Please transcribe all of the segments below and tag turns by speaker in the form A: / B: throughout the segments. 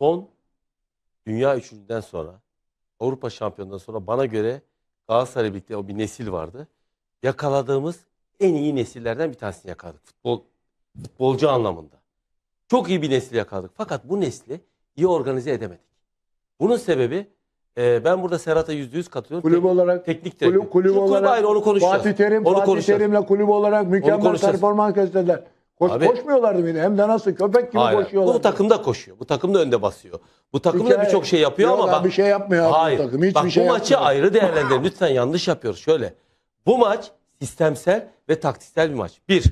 A: son dünya üçüncüden sonra, Avrupa şampiyonundan sonra bana göre Galatasaray'la birlikte o bir nesil vardı. Yakaladığımız en iyi nesillerden bir tanesini yakaladık. Futbolcu anlamında. Çok iyi bir nesil yakaladık. Fakat bu nesli iyi organize edemedik. Bunun sebebi ben burada Serhat'a %100 katılıyorum.
B: Kulüp olarak
A: teknik direktör.
B: kulüp olarak
A: ayrı, onu konuşacağız.
B: Fatih Terim'le kulüp olarak mükemmel performans gösterdiler. Koşmuyorlardı bile. Hem de nasıl köpek gibi koşuyorlar.
A: Bu takım da koşuyor. Bu takım da önde basıyor. Bu takım da birçok şey yapıyor ama bak
B: bir şey yapmıyor
A: hayır.
B: bu takım. Hiçbir
A: bak,
B: şey
A: bu maçı
B: yapmıyor.
A: ayrı değerlendirelim. Lütfen yanlış yapıyoruz. Şöyle. Bu maç sistemsel ve taktiksel bir maç. Bir.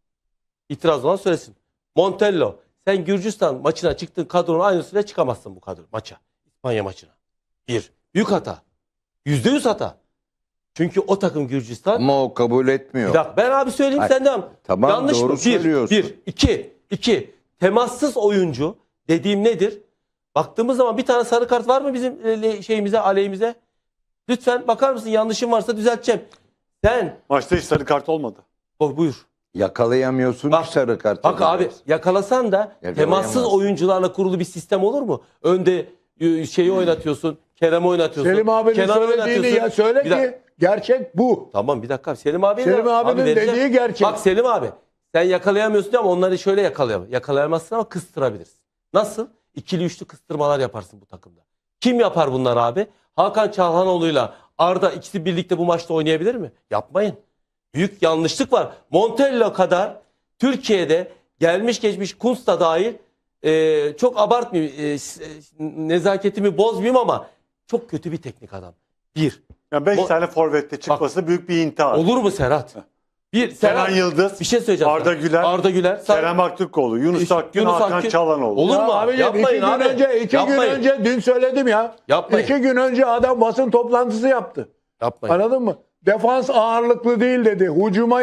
A: İtiraz olan söylesin. Montello, sen Gürcistan maçına çıktın, kadronun aynısıyla çıkamazsın bu kadro maça. İspanya maçına. Bir. Büyük hata. %100 hata. Çünkü o takım Gürcistan.
C: Ama o kabul etmiyor.
A: Bir dakika ben abi söyleyeyim sen devam.
C: Tamam,
A: yanlış
C: doğru
A: mı?
C: söylüyorsun.
A: İki. Temassız oyuncu dediğim nedir? Baktığımız zaman bir tane sarı kart var mı bizim şeyimize, aleyhimize? Lütfen bakar mısın? Yanlışım varsa düzelteceğim. Sen
D: Maçta hiç sarı kart olmadı.
A: buyur.
C: Yakalayamıyorsun
A: Bak,
C: ki sarı kart.
A: Bak abi yakalasan da temassız oyuncularla kurulu bir sistem olur mu? Önde şeyi oynatıyorsun, Kerem'i oynatıyorsun.
B: Selim abinin
A: Kenan'ı
B: söylediğini ya söyle ki gerçek bu.
A: Tamam bir dakika. Selim abinin
B: abinin dediği gerçek.
A: Bak Selim abi sen yakalayamıyorsun ama onları şöyle yakalayamazsın ama kıstırabilirsin. Nasıl? İkili üçlü kıstırmalar yaparsın bu takımda. Kim yapar bunlar abi? Hakan Çalhanoğlu'yla Arda ikisi birlikte bu maçta oynayabilir mi? Yapmayın. Büyük yanlışlık var. Montello kadar Türkiye'de gelmiş geçmiş Kuntz da dahil çok abartmayayım, nezaketimi bozmayayım ama çok kötü bir teknik adam. Bir.
D: Yani 5 tane forvette çıkması büyük bir intihar.
A: Olur mu Serhat?
D: Kenan Yıldız,
A: bir şey söyleyeceğim.
D: Arda Güler, Kerem Aktürkoğlu, Yunus Akgün, Hakan Çalhanoğlu.
A: Olur mu?
B: Abi,
A: Yapmayın abi.
B: İki gün önce dün söyledim ya.
A: Yapmayın.
B: 2 gün önce adam basın toplantısı yaptı.
A: Yapmayın.
B: Anladın mı? Defans ağırlıklı değil dedi. Hücuma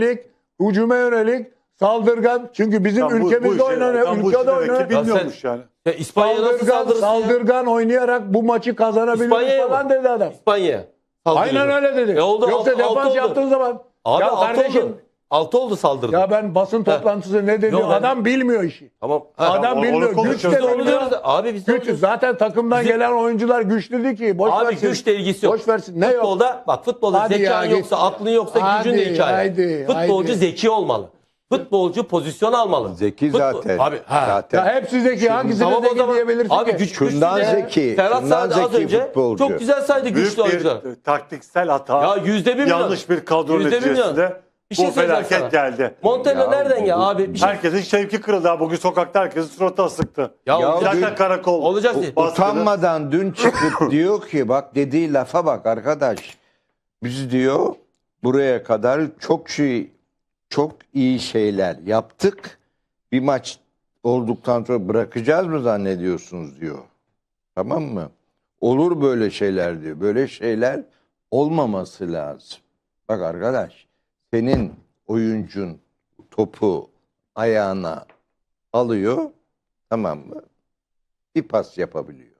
B: yönelik saldırgan. Çünkü bizim ülkemizde oynanıyor. Ülkede oynanıyor.
D: Bilmiyormuş yani.
A: İspanya nasıl saldırırsın
B: saldırgan oynayarak bu maçı kazanabilir falan dedi adam.
A: İspanya'ya.
B: Aynen öyle dedi.
A: Oldu,
B: Yoksa defans yaptığın zaman.
A: Abi
B: ya
A: 6
B: kardeşim,
A: oldu. 6 oldu saldırdı.
B: ya ben basın toplantısı ne dedi? Adam bilmiyor işi.
A: Tamam.
B: Adam bilmiyor. Güç de bilmiyor.
A: Abi biz
B: Güç, zaten takımdan gelen oyuncular güçlü değil ki. Boş
A: abi
B: versin.
A: güçle ilgisi yok.
B: Boş versin. Ne yok?
A: Futbolda
B: Hadi
A: zekan
B: ya,
A: yoksa, aklın yoksa gücün de hikaye. Futbolcu zeki olmalı. Futbolcu pozisyon almalı.
C: Zeki zaten.
A: Abi
C: zaten.
B: Ya hepsi zeki. Hangisini zeki diyebilirsin
A: abi
B: ki?
C: Şundan zeki.
A: Serhat
C: Şundan
A: Sade az
C: zeki
A: önce
C: futbolcu.
A: çok güzel saydı güçlü oyuncular.
D: Büyük bir taktiksel hata.
A: Ya %1
D: yanlış bir kadro neticesinde
A: bir şey
D: bu felaket
A: sana.
D: geldi.
A: Montello nereden ya abi? Bir şey...
D: Herkesin şevki kırıldı. Bugün sokakta herkesin suratı asıktı.
A: Ya
D: zaten karakol.
A: Olacak
C: Utanmadan dün çıkıp diyor ki bak dediği lafa bak arkadaş. Biz diyor buraya kadar çok iyi şeyler yaptık. Bir maç olduktan sonra bırakacağız mı zannediyorsunuz diyor. Tamam mı? Olur böyle şeyler diyor. Böyle şeyler olmaması lazım. Bak arkadaş senin oyuncun topu ayağına alıyor, tamam mı? Bir pas yapabiliyor.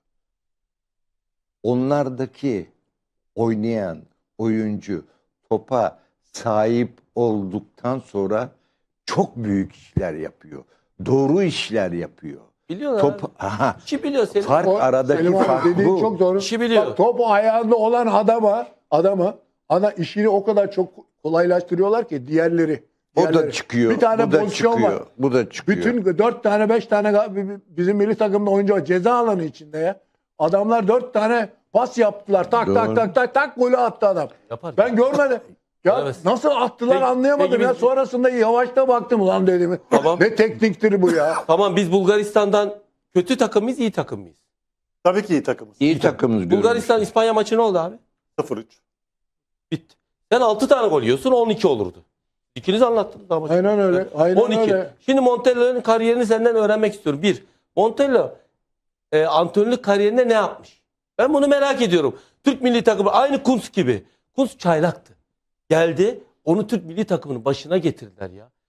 C: Onlardaki oynayan oyuncu topa sahip olduktan sonra çok büyük işler yapıyor. Doğru işler yapıyor.
A: Biliyorlar. İşi biliyor Selim.
C: Fark aradaki fark bu.
B: Çok doğru.
A: İşi biliyor.
B: Bak, topu ayağında olan adama işini o kadar çok kolaylaştırıyorlar ki diğerleri.
C: O da çıkıyor.
B: Bir tane
C: bu da
B: pozisyon
C: çıkıyor.
B: var.
C: Bu da çıkıyor.
B: Bütün 4 tane 5 tane bizim milli takımda oyuncu var. Ceza alanı içinde ya. Adamlar 4 tane pas yaptılar. Tak golü attı adam.
A: Yapar.
B: Ben görmedim. Ya
A: Evet.
B: nasıl attılar
A: Peki,
B: anlayamadım ya.
A: biz-
B: Sonrasında yavaşta baktım ulan dedim.
A: Tamam.
B: Ne tekniktir bu ya.
A: Tamam biz Bulgaristan'dan kötü takım mıyız, iyi takım mıyız?
D: Tabii ki iyi takımız.
C: İyi takımız görmüş.
A: Bulgaristan-İspanya maçı ne oldu abi?
D: 0-3.
A: Bitti. Sen 6 tane gol yiyorsun 12 olurdu. İkiniz anlattınız daha maçı.
B: Aynen öyle. Aynen
A: 12.
B: öyle.
A: Şimdi Montello'nun kariyerini senden öğrenmek istiyorum. Bir, Montello antrenörlük kariyerinde ne yapmış? Ben bunu merak ediyorum. Türk milli takımı aynı Kuntz gibi. Kuntz çaylaktı. Geldi onu Türk milli takımının başına getirdiler ya.